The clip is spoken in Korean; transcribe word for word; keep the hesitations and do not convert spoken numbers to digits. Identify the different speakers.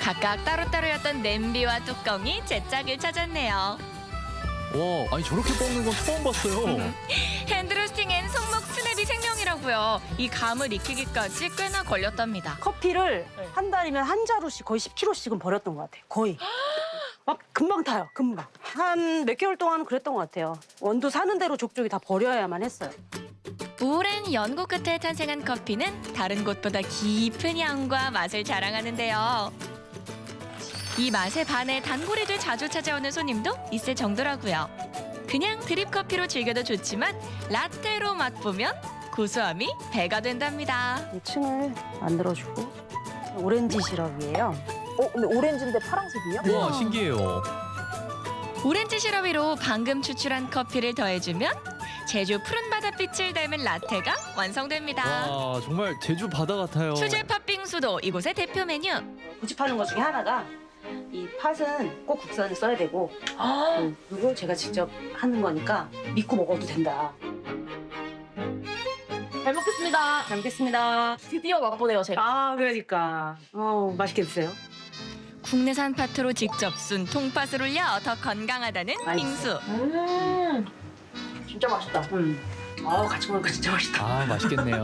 Speaker 1: 각각 따로따로였던 냄비와 뚜껑이 제 짝을 찾았네요.
Speaker 2: 와, 아니 저렇게 볶는 건 처음 봤어요.
Speaker 1: 핸드로스팅엔 손목 스냅이 생명이라고요. 이 감을 익히기까지 꽤나 걸렸답니다.
Speaker 3: 커피를
Speaker 4: 네.
Speaker 3: 한 달이면 한 자루씩 거의 십 킬로씩은 버렸던 것 같아요. 거의. 막 금방 타요, 금방. 한 몇 개월 동안은 그랬던 것 같아요. 원두 사는 대로 족족이 다 버려야만 했어요.
Speaker 1: 오랜 연구 끝에 탄생한 커피는 다른 곳보다 깊은 향과 맛을 자랑하는데요. 이 맛에 반해 단골이들 자주 찾아오는 손님도 있을 정도라고요. 그냥 드립 커피로 즐겨도 좋지만 라떼로 맛보면 고소함이 배가 된답니다.
Speaker 3: 이 층을 만들어주고 오렌지 시럽이에요.
Speaker 4: 어, 근데 오렌지인데 파란색이요?
Speaker 2: 와, 신기해요.
Speaker 1: 오렌지 시럽 위로 방금 추출한 커피를 더해주면 제주 푸른 바닷빛을 닮은 라떼가 완성됩니다.
Speaker 2: 와, 정말 제주 바다 같아요.
Speaker 1: 수제 팥빙수도 이곳의 대표 메뉴.
Speaker 3: 고집하는 것 중에 하나가 이 팥은 꼭 국산을 써야 되고
Speaker 4: 아,
Speaker 3: 음, 그리고 제가 직접 하는 거니까 믿고 먹어도 된다.
Speaker 4: 잘 먹겠습니다.
Speaker 3: 잘 먹겠습니다.
Speaker 4: 드디어 맛보네요, 제가.
Speaker 3: 아, 그러니까. 어, 맛있게 드세요.
Speaker 1: 국내산 팥으로 직접 순 통팥을 올려 더 건강하다는
Speaker 3: 맛있어.
Speaker 1: 빙수.
Speaker 4: 음, 진짜 맛있다.
Speaker 3: 음. 아, 같이 먹으니까 진짜 맛있다.
Speaker 2: 아, 맛있겠네요.